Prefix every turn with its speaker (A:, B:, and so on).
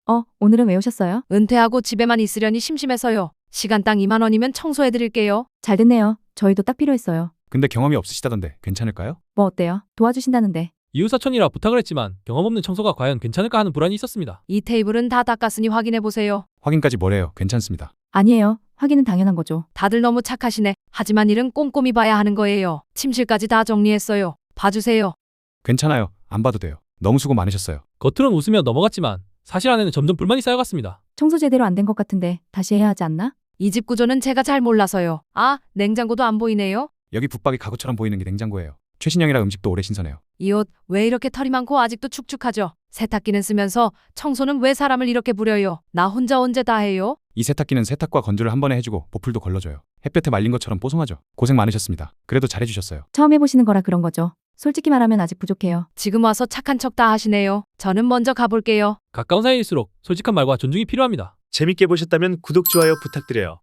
A: 오늘은 왜 오셨어요?
B: 은퇴하고 집에만 있으려니 심심해서요. 시간당 2만 원이면 청소해드릴게요.
A: 잘 됐네요. 저희도 딱 필요했어요.
C: 근데 경험이 없으시다던데 괜찮을까요?
A: 뭐 어때요? 도와주신다는데.
D: 이웃사촌이라 부탁을 했지만 경험 없는 청소가 과연 괜찮을까 하는 불안이 있었습니다.
B: 이 테이블은 다 닦았으니 확인해보세요.
C: 확인까지 뭐래요? 괜찮습니다.
A: 아니에요. 확인은 당연한 거죠.
B: 다들 너무 착하시네. 하지만 일은 꼼꼼히 봐야 하는 거예요. 침실까지 다 정리했어요. 봐주세요.
C: 괜찮아요. 안 봐도 돼요. 너무 수고 많으셨어요.
D: 겉으론 웃으며 넘어갔지만 사실 안에는 점점 불만이 쌓여갔습니다.
A: 청소 제대로 안 된 것 같은데 다시 해야 하지 않나?
B: 이 집 구조는 제가 잘 몰라서요. 아, 냉장고도 안 보이네요.
C: 여기 붙박이 가구처럼 보이는 게 냉장고예요. 최신형이라 음식도 오래 신선해요.
B: 이 옷 왜 이렇게 털이 많고 아직도 축축하죠? 세탁기는 쓰면서 청소는 왜 사람을 이렇게 부려요? 나 혼자 언제 다 해요?
C: 이 세탁기는 세탁과 건조를 한 번에 해주고 보풀도 걸러줘요. 햇볕에 말린 것처럼 뽀송하죠. 고생 많으셨습니다. 그래도 잘해주셨어요.
A: 처음 해보시는 거라 그런 거죠. 솔직히 말하면 아직 부족해요.
B: 지금 와서 착한 척 다 하시네요. 저는 먼저 가볼게요.
D: 가까운 사이일수록 솔직한 말과 존중이 필요합니다.
E: 재밌게 보셨다면 구독, 좋아요 부탁드려요.